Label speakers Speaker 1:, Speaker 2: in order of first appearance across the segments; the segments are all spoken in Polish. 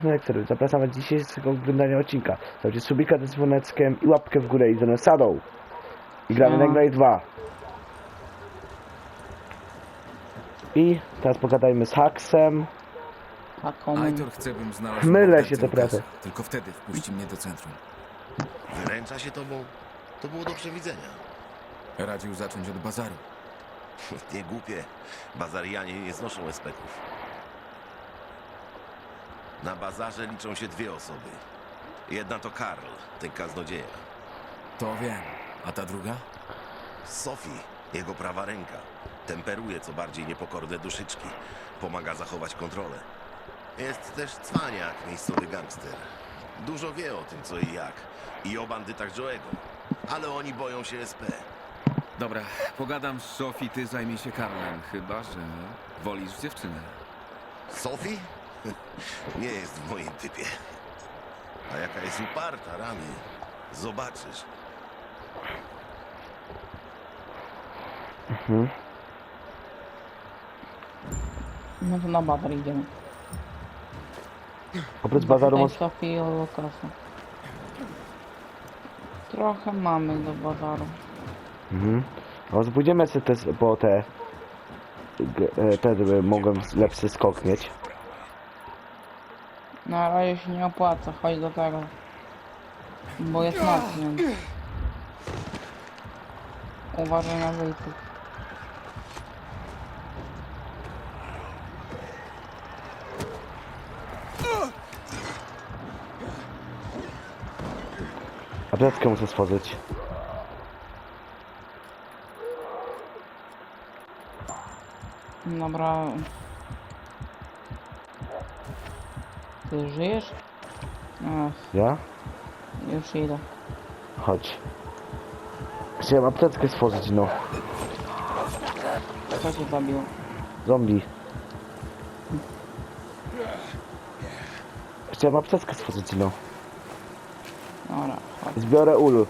Speaker 1: No jak serio, zapraszam do dzisiejszego oglądania odcinka. Dajcie subika z dzwoneczkiem i łapkę w górę i ze mną sadą. I gramy na Ignite 2. I teraz pogadajmy z Haksem.
Speaker 2: Aitor chce, bym znalazł
Speaker 1: Mylę
Speaker 2: mordercę
Speaker 1: się to
Speaker 2: Lukasa.
Speaker 1: trochę.
Speaker 2: Tylko wtedy wpuści mnie do centrum.
Speaker 3: Wyręcza się tobą? To było do przewidzenia.
Speaker 2: Radził zacząć od bazaru.
Speaker 3: Nie głupie. Bazarianie nie znoszą espeków. Na bazarze liczą się dwie osoby. Jedna to Karl, ten kaznodzieja.
Speaker 2: To wiem. A ta druga?
Speaker 3: Sophie, jego prawa ręka. Temperuje co bardziej niepokorne duszyczki. Pomaga zachować kontrolę. Jest też cwaniak, miejscowy gangster. Dużo wie o tym, co i jak. I o bandytach Joe'ego. Ale oni boją się SP.
Speaker 2: Dobra, pogadam z Sophie, ty zajmij się Karlem. Chyba, że wolisz dziewczynę.
Speaker 3: Sophie? Nie jest w moim typie. A jaka jest uparta, rany. Zobaczysz.
Speaker 4: No to na bazar idziemy.
Speaker 1: Oprócz bazaru
Speaker 4: Tutaj
Speaker 1: może...
Speaker 4: Sofii i Lukasa. Trochę mamy do bazaru.
Speaker 1: Może pójdziemy sobie też po te... Te, żeby mogłem lepszy skok mieć.
Speaker 4: Na razie się nie opłaca, chodź do tego. Bo jest noc, więc... Uważaj na wyjściu.
Speaker 1: Apteczkę muszę stworzyć.
Speaker 4: Dobra. Ty żyjesz? Ach,
Speaker 1: Ja?
Speaker 4: już idę.
Speaker 1: Chodź. Chciałem apteczkę stworzyć, no.
Speaker 4: Co cię zabiło?
Speaker 1: Zombie. Chciałem apteczkę stworzyć, no.
Speaker 4: Dobra, chodź.
Speaker 1: Zbiorę ulu.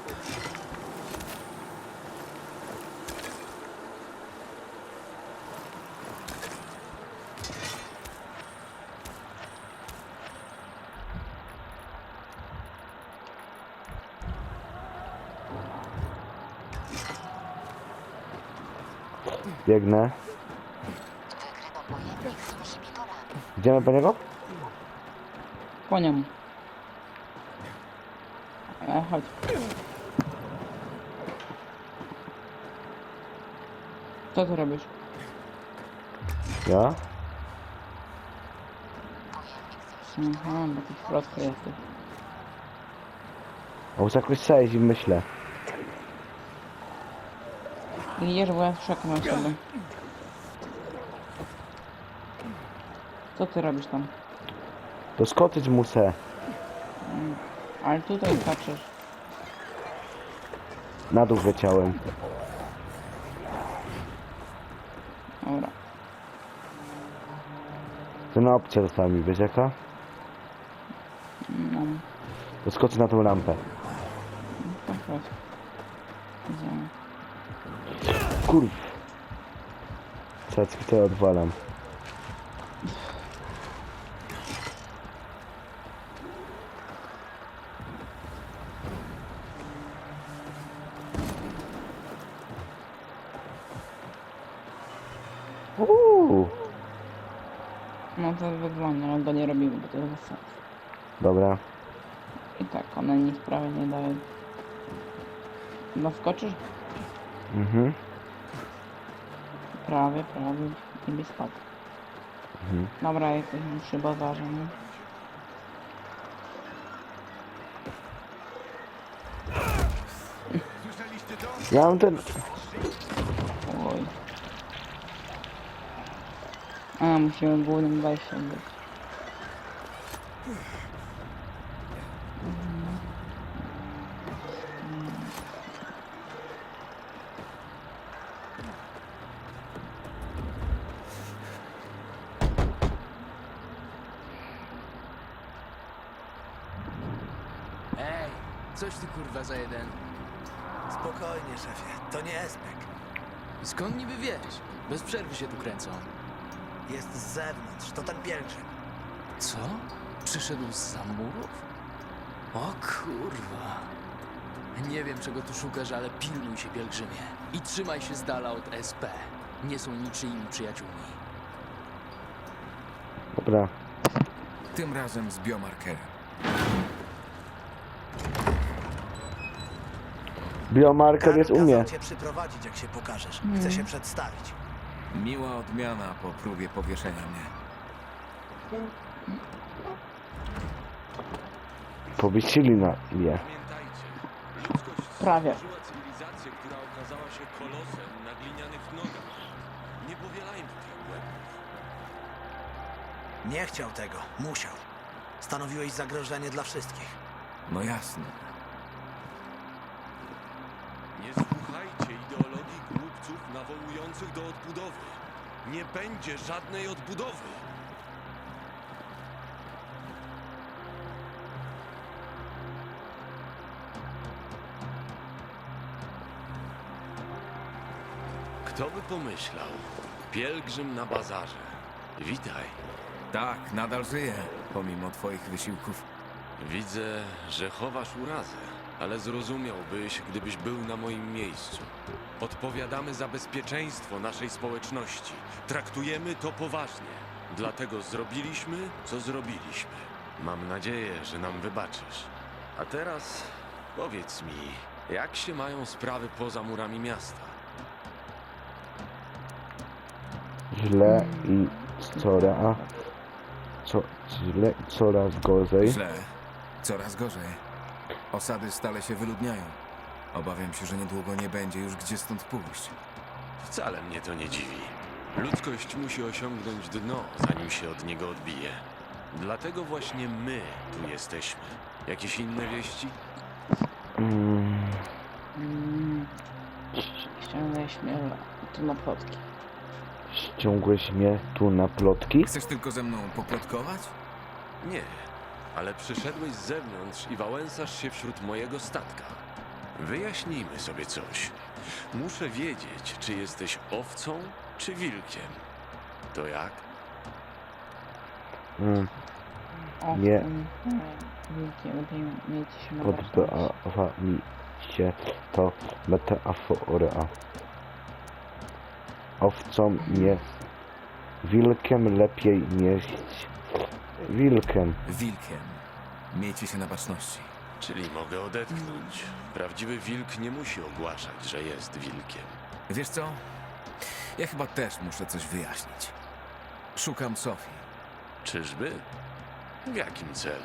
Speaker 1: Biegnę. Idziemy po niego?
Speaker 4: Po niemu. Chodź. Co ty robisz?
Speaker 1: Ja?
Speaker 4: Aha, bo ty w środku jesteś.
Speaker 1: A muszę jakoś przejść i myślę.
Speaker 4: Idziesz, bo ja czekam sobie. Co ty robisz tam?
Speaker 1: Doskoczyć muszę.
Speaker 4: Ale tutaj skaczesz.
Speaker 1: Na dół leciałem.
Speaker 4: Dobra.
Speaker 1: To na opcję dostałem mi, wiesz jaka?
Speaker 4: No,
Speaker 1: Doskoczę na tą lampę.
Speaker 4: to chodź. Idziemy.
Speaker 1: Kurw. Cacki to ja odwalam.
Speaker 4: No to wygląda, ale go nie robimy, bo to jest bez sensu.
Speaker 1: Dobra.
Speaker 4: I tak, one nic prawie nie dają. Naskoczysz?
Speaker 1: Mhm.
Speaker 4: Prawie i by spadł. Dobra, jesteśmy przy bazarze, nie?
Speaker 1: Ja mam ten...
Speaker 4: Oj. A, musimy głównym wejściem być.
Speaker 5: Ej, coś ty kurwa za jeden.
Speaker 6: Spokojnie, szefie, to nie Espek.
Speaker 5: Skąd niby wiesz? Bez przerwy się tu kręcą.
Speaker 6: Jest z zewnątrz, to ten pielgrzym.
Speaker 5: Co? Przyszedł z murów? O kurwa. Nie wiem, czego tu szukasz, ale pilnuj się, pielgrzymie. I trzymaj się z dala od SP. Nie są niczyimi przyjaciółmi.
Speaker 1: Dobra.
Speaker 2: Tym razem z biomarkerem.
Speaker 1: Biomarker jest u mnie.
Speaker 6: Kazał cię przyprowadzić, jak się pokażesz. Chce się przedstawić.
Speaker 2: Miła odmiana po próbie powieszenia mnie.
Speaker 1: Powiesili na je.
Speaker 7: Pamiętajcie, ludzkość
Speaker 4: Prawie.
Speaker 7: stworzyła cywilizację, która okazała się kolosem na glinianych nogach. Nie powielajmy tych błędów.
Speaker 6: Nie chciał tego. Musiał. Stanowiłeś zagrożenie dla wszystkich.
Speaker 2: No jasne.
Speaker 7: Nie słuchajcie ideologii głupców nawołujących do odbudowy. Nie będzie żadnej odbudowy. Kto by pomyślał? Pielgrzym na bazarze. Witaj.
Speaker 2: Tak, nadal żyję, pomimo twoich wysiłków.
Speaker 7: Widzę, że chowasz urazę, ale zrozumiałbyś, gdybyś był na moim miejscu. Odpowiadamy za bezpieczeństwo naszej społeczności. Traktujemy to poważnie. Dlatego zrobiliśmy, co zrobiliśmy. Mam nadzieję, że nam wybaczysz. A teraz powiedz mi, jak się mają sprawy poza murami miasta?
Speaker 1: Źle i źle i coraz gorzej.
Speaker 2: Źle. Coraz gorzej. Osady stale się wyludniają. Obawiam się, że niedługo nie będzie już gdzie stąd pójść.
Speaker 7: Wcale mnie to nie dziwi. Ludzkość musi osiągnąć dno, zanim się od niego odbije. Dlatego właśnie my tu jesteśmy. Jakieś inne wieści?
Speaker 4: Ściągnęłeś mnie tu na plotki.
Speaker 1: Ściągłeś mnie tu na plotki?
Speaker 2: Chcesz tylko ze mną poplotkować?
Speaker 7: Nie, ale przyszedłeś z zewnątrz i wałęsasz się wśród mojego statka. Wyjaśnijmy sobie coś. Muszę wiedzieć, czy jesteś owcą, czy wilkiem. To jak?
Speaker 4: O,
Speaker 1: Nie.
Speaker 4: Wilkiem, lepiej miejcie się na baczności.
Speaker 1: Podoba mi się to metafora. Owcą nie, wilkiem lepiej nieść. Wilkiem.
Speaker 2: Wilkiem. Miejcie się na baczności.
Speaker 7: Czyli mogę odetchnąć. Prawdziwy wilk nie musi ogłaszać, że jest wilkiem.
Speaker 2: Wiesz co? Ja chyba też muszę coś wyjaśnić. Szukam Sofii.
Speaker 7: Czyżby? W jakim celu?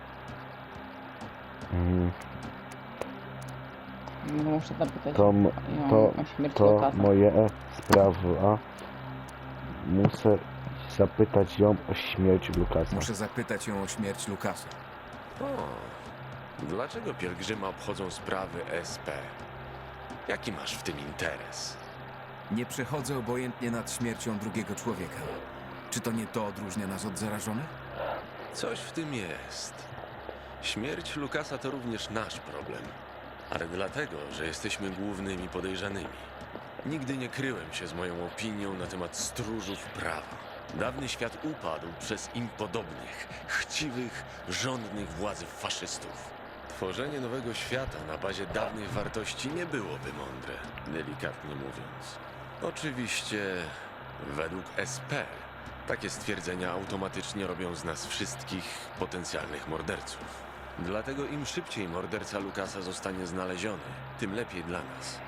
Speaker 4: Muszę zapytać
Speaker 1: To,
Speaker 4: ją
Speaker 1: to,
Speaker 4: o śmierć
Speaker 1: to
Speaker 4: Lukasa.
Speaker 1: moje sprawa. Muszę zapytać ją o śmierć Lukasa.
Speaker 2: Muszę zapytać ją o śmierć Lukasa.
Speaker 7: O, dlaczego pielgrzyma obchodzą sprawy SP? Jaki masz w tym interes?
Speaker 2: Nie przechodzę obojętnie nad śmiercią drugiego człowieka. Czy to nie to odróżnia nas od zarażonych?
Speaker 7: Coś w tym jest. Śmierć Lukasa to również nasz problem. Ale dlatego, że jesteśmy głównymi podejrzanymi. Nigdy nie kryłem się z moją opinią na temat stróżów prawa. Dawny świat upadł przez im podobnych, chciwych, żądnych władzy faszystów. Tworzenie nowego świata na bazie dawnych wartości nie byłoby mądre, delikatnie mówiąc. Oczywiście, według SP, takie stwierdzenia automatycznie robią z nas wszystkich potencjalnych morderców. Dlatego im szybciej morderca Lukasa zostanie znaleziony, tym lepiej dla nas.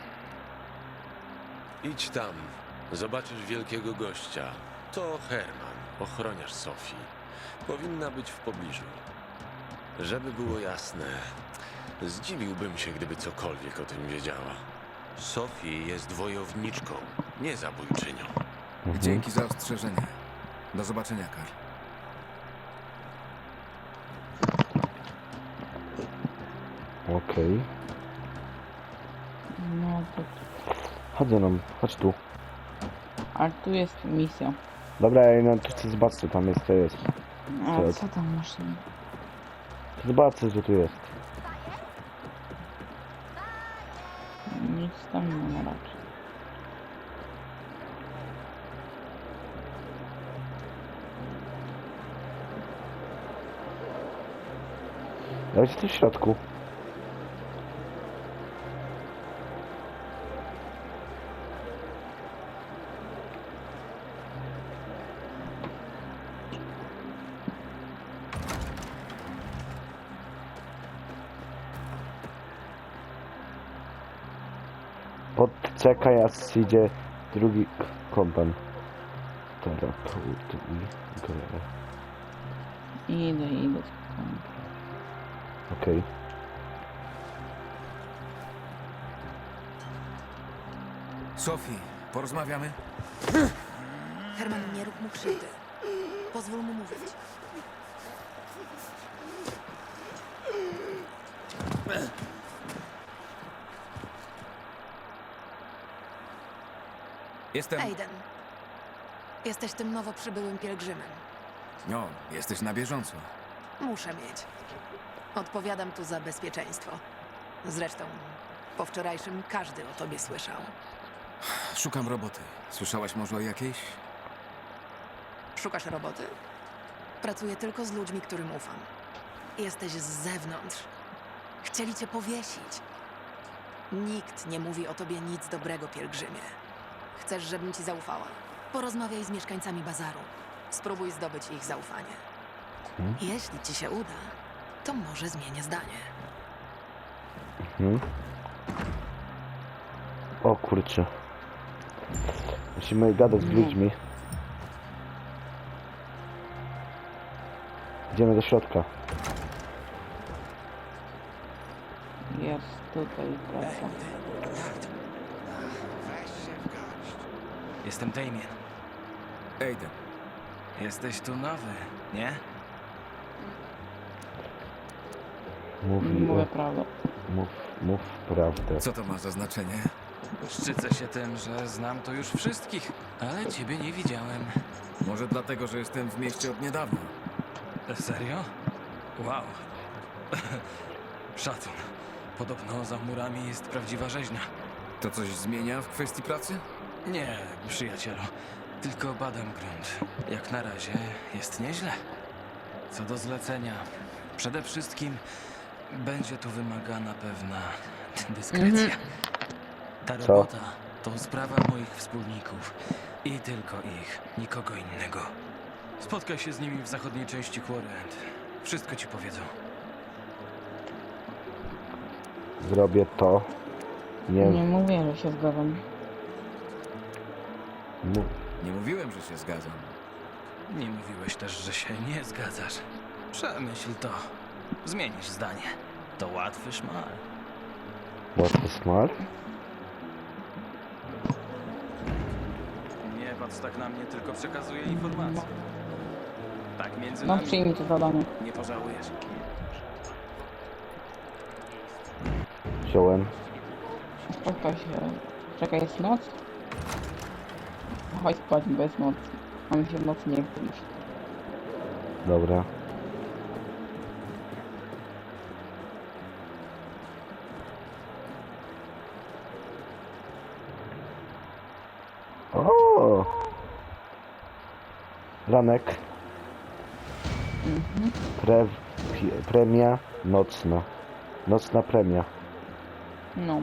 Speaker 7: Idź tam, zobaczysz wielkiego gościa. To Herman, ochroniarz Sofii. Powinna być w pobliżu. Żeby było jasne, zdziwiłbym się, gdyby cokolwiek o tym wiedziała. Sofii jest wojowniczką, nie zabójczynią.
Speaker 2: Dzięki za ostrzeżenie. Do zobaczenia, Karl.
Speaker 1: Okej.
Speaker 4: No to...
Speaker 1: Chodź ze mną, chodź tu.
Speaker 4: Ale tu jest misja.
Speaker 1: Dobra, ja no to chcę zobaczyć co tam jest, co jest.
Speaker 4: A co tam masz?
Speaker 1: Zobaczę co tu jest.
Speaker 4: Nic tam nie ma raczej.
Speaker 1: Dajcie tu w środku. Pod CKS idzie drugi kompan. Terapeut i grę.
Speaker 4: Idę.
Speaker 1: Okej.
Speaker 2: Sophie, porozmawiamy?
Speaker 8: Herman, nie rób mu krzywdy. Pozwól mu mówić.
Speaker 2: Jestem...
Speaker 8: Aiden, jesteś tym nowo przybyłym pielgrzymem.
Speaker 2: No, jesteś na bieżąco.
Speaker 8: Muszę mieć. Odpowiadam tu za bezpieczeństwo. Zresztą, po wczorajszym każdy o tobie słyszał.
Speaker 2: Szukam roboty. Słyszałaś może o jakiejś?
Speaker 8: Szukasz roboty? Pracuję tylko z ludźmi, którym ufam. Jesteś z zewnątrz. Chcieli cię powiesić. Nikt nie mówi o tobie nic dobrego, pielgrzymie. Chcesz, żebym ci zaufała? Porozmawiaj z mieszkańcami bazaru. Spróbuj zdobyć ich zaufanie. Jeśli ci się uda, to może zmienię zdanie.
Speaker 1: O kurczę. Musimy gadać z ludźmi. Idziemy do środka.
Speaker 4: Jest tutaj praca.
Speaker 6: Jestem Damien.
Speaker 2: Aiden.
Speaker 6: Jesteś tu nowy, nie?
Speaker 4: Mówię prawdę.
Speaker 1: Mów prawdę.
Speaker 2: Co to ma za znaczenie?
Speaker 6: Szczycę się tym, że znam tu już wszystkich, ale ciebie nie widziałem.
Speaker 2: Może dlatego, że jestem w mieście od niedawna.
Speaker 6: Serio? Wow. Szacun. Podobno za murami jest prawdziwa rzeźnia.
Speaker 2: To coś zmienia w kwestii pracy?
Speaker 6: Nie, przyjacielu. Tylko badam grunt. Jak na razie jest nieźle. Co do zlecenia, przede wszystkim będzie tu wymagana pewna dyskrecja. Ta
Speaker 1: Co?
Speaker 6: robota to sprawa moich wspólników. I tylko ich, nikogo innego. Spotkaj się z nimi w zachodniej części Quarry-End. Wszystko ci powiedzą.
Speaker 1: Zrobię to.
Speaker 4: Nie
Speaker 1: Nie
Speaker 4: mówię, że się zgadzam.
Speaker 1: mów.
Speaker 2: Nie mówiłem, że się zgadzam.
Speaker 6: Nie mówiłeś też, że się nie zgadzasz. Przemyśl to. Zmienisz zdanie. To łatwy szmal.
Speaker 1: Łatwy smart.
Speaker 6: Nie patrz tak na mnie, tylko przekazuję informacje. Tak między
Speaker 4: No
Speaker 6: nami.
Speaker 4: przyjmij to zadanie.
Speaker 6: Nie pożałujesz.
Speaker 1: Wziąłem.
Speaker 4: Spotkaj się. Czekaj, jest noc? Chodź spać, bo jest noc. A mi się w nocy nie chce iść.
Speaker 1: Dobra. O! Ranek. Premia nocna. Nocna premia.
Speaker 4: No.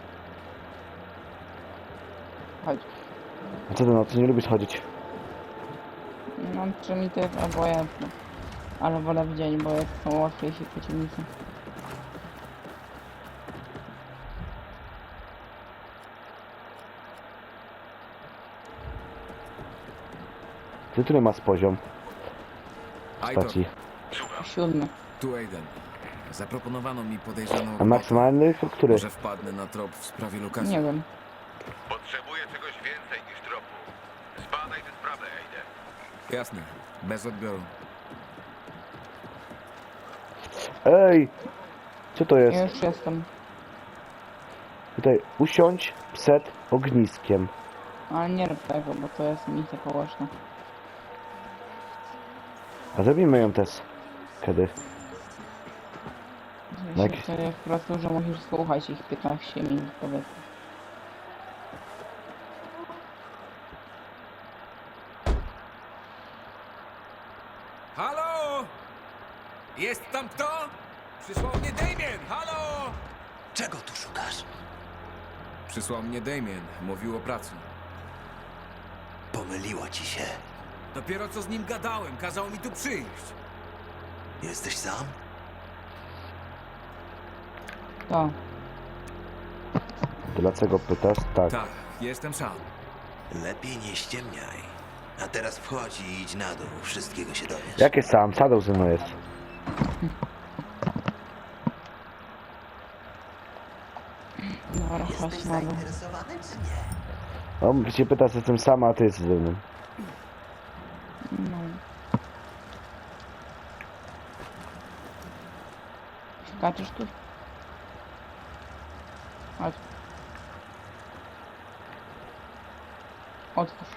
Speaker 4: Chodź.
Speaker 1: A co do nocy nie lubisz chodzić?
Speaker 4: No, czy mi to jest obojętne. Ale wolę w dzień, bo jak są łatwiejsi przeciwnicy.
Speaker 1: Ty który masz poziom
Speaker 2: Aitor,
Speaker 1: stacji?
Speaker 4: 7.
Speaker 2: tu Aiden. Zaproponowano mi podejrzaną
Speaker 1: A
Speaker 2: robotę.
Speaker 1: maksymalny który?
Speaker 2: Może wpadnę na trop w sprawie Lukasa.
Speaker 4: Nie wiem.
Speaker 9: Potrzebuję czegoś więcej niż tropu. Zbadaj tę sprawę, Aiden.
Speaker 2: Jasne, bez odbioru.
Speaker 1: Ej! Co to jest?
Speaker 4: Ja już jestem.
Speaker 1: Tutaj usiądź przed ogniskiem.
Speaker 4: Ale nie rób tego, bo to jest misja położna.
Speaker 1: A zrobimy ją też. Kiedy? No
Speaker 4: Jeśli
Speaker 1: jak-
Speaker 4: to jest po prostu, że musisz słuchać ich 15 minut, powiedzmy.
Speaker 2: Halo? Jest tam kto? Przysłał mnie Damien! Halo!
Speaker 6: Czego tu szukasz?
Speaker 2: Przysłał mnie Damien. Mówił o pracy.
Speaker 10: Pomyliło ci się.
Speaker 2: Dopiero co z nim gadałem. Kazał mi tu przyjść.
Speaker 10: Jesteś sam?
Speaker 4: To.
Speaker 1: Dlaczego pytasz? Tak.
Speaker 2: Tak, jestem sam.
Speaker 10: Lepiej nie ściemniaj. A teraz wchodź i idź na dół. Wszystkiego się dowiesz.
Speaker 1: Jakie sam? Shadow ze mną jest.
Speaker 4: Dobra, chodź na dół.
Speaker 10: zainteresowany czy nie?
Speaker 1: On się pyta, czy jestem sama, a ty jesteś ze mną.
Speaker 4: No. Skaczesz tu? Chodź. Otwórz.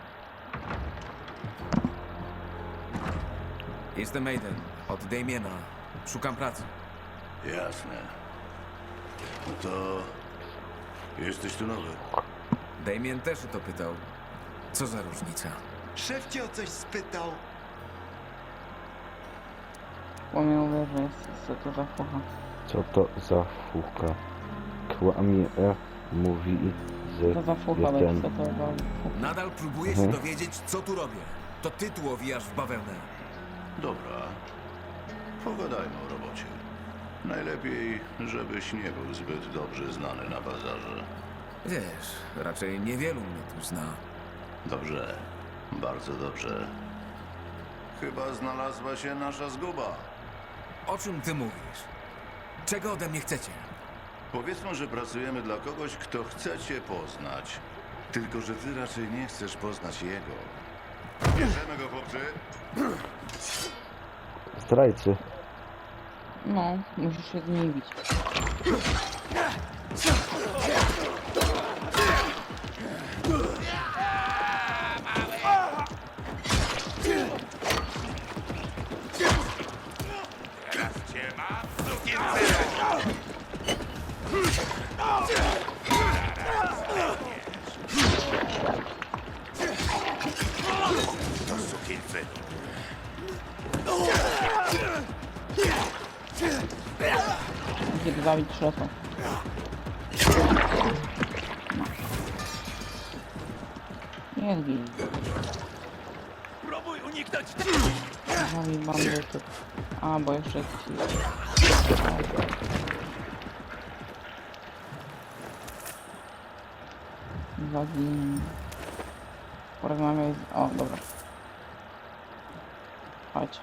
Speaker 2: Jestem Aiden. Od Damiena. Szukam pracy.
Speaker 11: Jasne. No to... Jesteś tu nowy.
Speaker 2: Damien też o to pytał. Co za różnica?
Speaker 10: Szef cię o coś spytał.
Speaker 4: Pomimo że jest co to za fucha.
Speaker 1: Co to za fucha? Kłamie, mówi, że
Speaker 4: To za fucha,
Speaker 1: jestem...
Speaker 4: będzie co to za fucha.
Speaker 2: Nadal próbuję się dowiedzieć, co tu robię. To ty tu owijasz w bawełnę.
Speaker 11: Dobra. Pogadajmy o robocie. Najlepiej, żebyś nie był zbyt dobrze znany na bazarze.
Speaker 2: Wiesz, raczej niewielu mnie tu zna.
Speaker 11: Dobrze. Bardzo dobrze. Chyba znalazła się nasza zguba.
Speaker 2: O czym ty mówisz? Czego ode mnie chcecie?
Speaker 11: Powiedzmy, że pracujemy dla kogoś, kto chce cię poznać. Tylko, że ty raczej nie chcesz poznać jego. Bierzemy go, chłopcy.
Speaker 1: Zdrajcy.
Speaker 4: No, musisz się z nimi bić. Musisz zabić szefa. No. Nie zgin.
Speaker 6: Próbuj uniknąć!
Speaker 4: Zabij bandytów. A, bo jeszcze ci... Zagin... Porozmawiaj z... O, dobra. Chodź.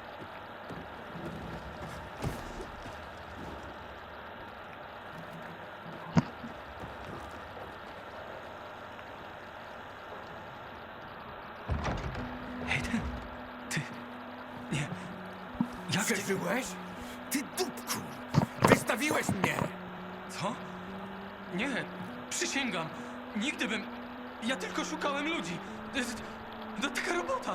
Speaker 6: Hayden, ty... Nie... Jak ty...
Speaker 2: Przeżyłeś? Ty dupku! Wystawiłeś mnie!
Speaker 6: Co? Nie, przysięgam. Nigdy bym... Ja tylko szukałem ludzi. To taka robota.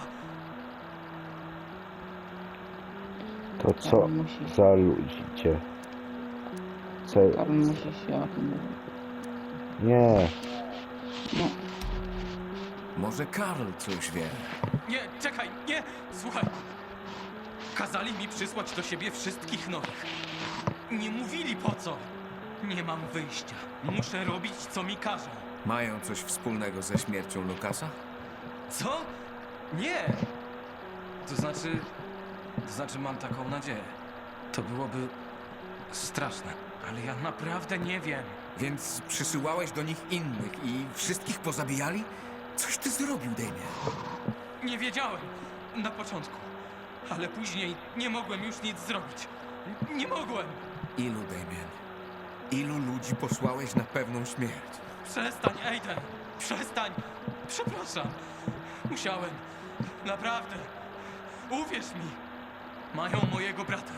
Speaker 1: To co
Speaker 4: Musi-
Speaker 1: za ludzie? Co...
Speaker 4: Karl musi się o tym mówić.
Speaker 1: Nie.
Speaker 4: No,
Speaker 2: Może Karl coś wie.
Speaker 6: Nie, czekaj, nie! Słuchaj. Kazali mi przysłać do siebie wszystkich nowych. Nie mówili po co. Nie mam wyjścia. Muszę robić, co mi każą.
Speaker 2: Mają coś wspólnego ze śmiercią Lukasa?
Speaker 6: Co? Nie!
Speaker 5: To znaczy mam taką nadzieję. To byłoby straszne.
Speaker 6: Ale ja naprawdę nie wiem.
Speaker 2: Więc przysyłałeś do nich innych i wszystkich pozabijali? Coś ty zrobił, Damien.
Speaker 6: Nie wiedziałem. Na początku. Ale później nie mogłem już nic zrobić. Nie mogłem.
Speaker 2: Ilu, Damien? Ilu ludzi posłałeś na pewną śmierć?
Speaker 6: Przestań, Aiden. Przestań. Przepraszam. Musiałem. Naprawdę. Uwierz mi. Mają mojego brata.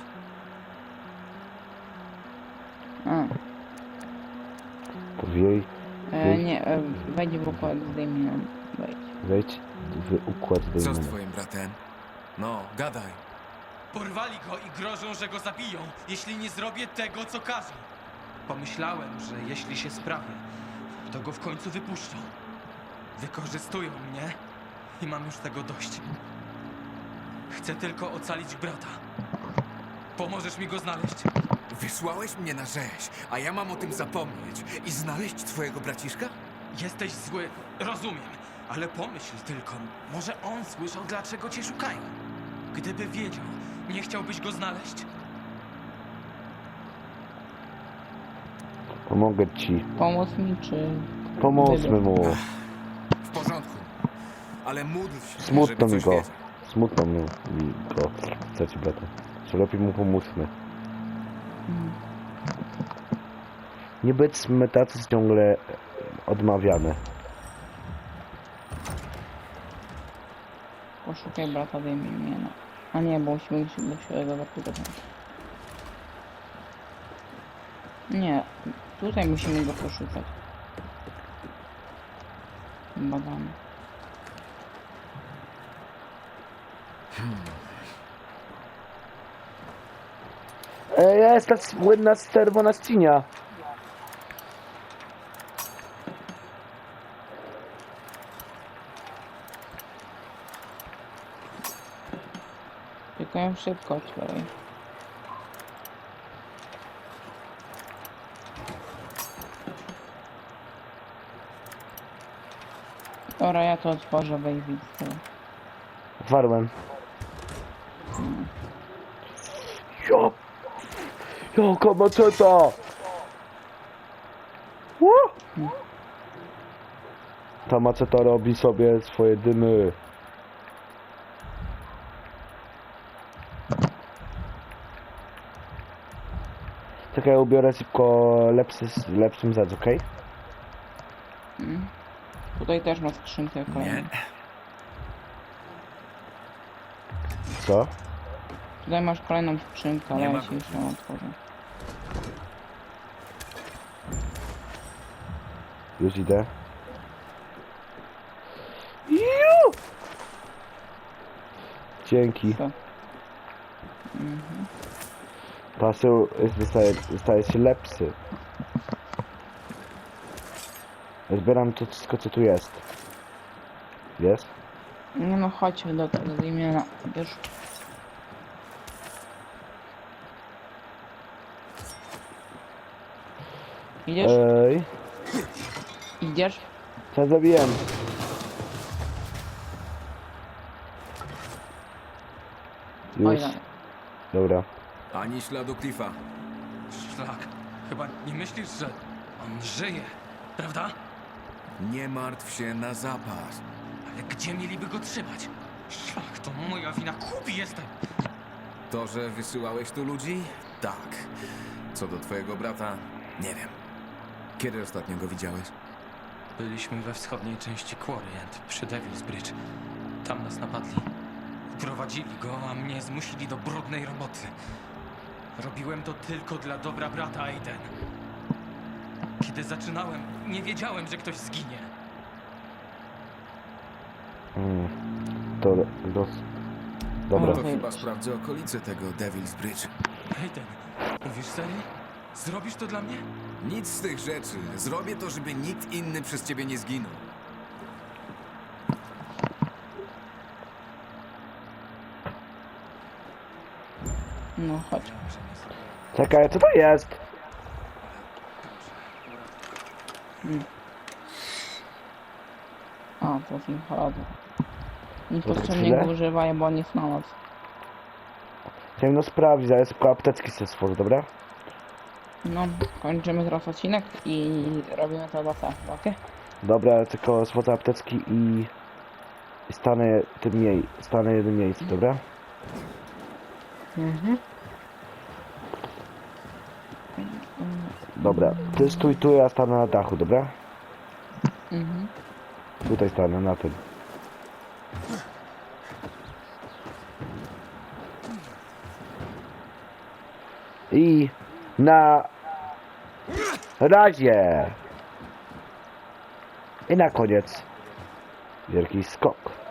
Speaker 4: a.
Speaker 1: To w jej...
Speaker 4: Nie, wejdź w układ z Damienem. Wejdź.
Speaker 1: Wejdź w układ
Speaker 2: Co z
Speaker 1: Damona.
Speaker 2: twoim bratem? No, gadaj.
Speaker 6: Porwali go i grożą, że go zabiją, jeśli nie zrobię tego, co każą. Pomyślałem, że jeśli się sprawię, to go w końcu wypuszczą. Wykorzystują mnie i mam już tego dość. Chcę tylko ocalić brata. Pomożesz mi go znaleźć?
Speaker 2: Wysłałeś mnie na rzeź, a ja mam o tym zapomnieć i znaleźć twojego braciszka?
Speaker 6: Jesteś zły, rozumiem, ale pomyśl tylko, może on słyszał, dlaczego cię szukają. Gdyby wiedział, nie chciałbyś go znaleźć?
Speaker 1: Pomogę ci.
Speaker 4: Pomóc mi, czy...
Speaker 1: Pomóżmy mu.
Speaker 2: W porządku, ale módl się,
Speaker 1: Smutno
Speaker 2: żeby
Speaker 1: mi
Speaker 2: coś
Speaker 1: go.
Speaker 2: wiedział.
Speaker 1: Smutno mi go. Chcecie brata. Czy lepiej mu pomóżmy. Nie bądźmy tacy ciągle odmawiane.
Speaker 4: Poszukaj brata, daj mi imię. A nie, bo musimy iść do światowego zapytać. Nie, tutaj musimy go poszukać. Badamy.
Speaker 1: Jest ta słynna czerwona ścinia.
Speaker 4: Tylko ją szybko otwieraj. Dobra, ja to otworzę, weź widzę.
Speaker 1: Otwarłem. Jo! Jaka maczeta! Ta maceta robi sobie swoje dymy. Czekaj, ja ubiorę szybko lepszym rzecz, okej?
Speaker 4: Tutaj też ma skrzynkę kolejną.
Speaker 1: Co?
Speaker 4: Tutaj masz kolejną skrzynkę, ale
Speaker 2: Nie
Speaker 4: ja
Speaker 2: ma
Speaker 4: ci
Speaker 2: go.
Speaker 4: już ją otworzę.
Speaker 1: Już idę. Ju! Dzięki.
Speaker 4: Co?
Speaker 1: Pasył staje się lepszy. Zbieram to wszystko, co tu jest. Jest?
Speaker 4: Nie no, chodź do tego imienia. Wiesz? Idziesz?
Speaker 1: Ej,
Speaker 4: Idziesz?
Speaker 1: co zrobiłem? Już.
Speaker 4: Oj, no.
Speaker 1: Dobra.
Speaker 2: Ani śladu Cliffa.
Speaker 6: Szlak, chyba nie myślisz, że on żyje, prawda?
Speaker 2: Nie martw się na zapas.
Speaker 6: Ale gdzie mieliby go trzymać? Szlak, to moja wina, głupi jestem.
Speaker 2: To, że wysyłałeś tu ludzi? Tak. Co do twojego brata? Nie wiem. Kiedy ostatnio go widziałeś?
Speaker 6: Byliśmy we wschodniej części Quarryend, przy Devil's Bridge. Tam nas napadli. Uprowadzili go, a mnie zmusili do brudnej roboty. Robiłem to tylko dla dobra brata Aiden. Kiedy zaczynałem, nie wiedziałem, że ktoś zginie.
Speaker 1: To... Dobra.
Speaker 2: No to chyba sprawdzę okolice tego Devil's Bridge.
Speaker 6: Aiden, mówisz serio? Zrobisz to dla mnie?
Speaker 2: Nic z tych rzeczy. Zrobię to, żeby nikt inny przez ciebie nie zginął.
Speaker 4: No chodź.
Speaker 1: Czekaj, co to jest?
Speaker 4: A, to jest choroba.
Speaker 1: chwilę?
Speaker 4: Niepotrzebnie go używaj, bo on jest na noc.
Speaker 1: Chciałem no sprawdzić, ale szybko apteczki sobie stworzę, dobra?
Speaker 4: No, kończymy teraz odcinek i robimy to za okej?
Speaker 1: Dobra, tylko stworzę apteczki i stanę stanę jednym miejscu, dobra? Dobra, ty stój tu, ja stanę na dachu, dobra? Tutaj stanę, na tym. I na razie. I na koniec wielki skok.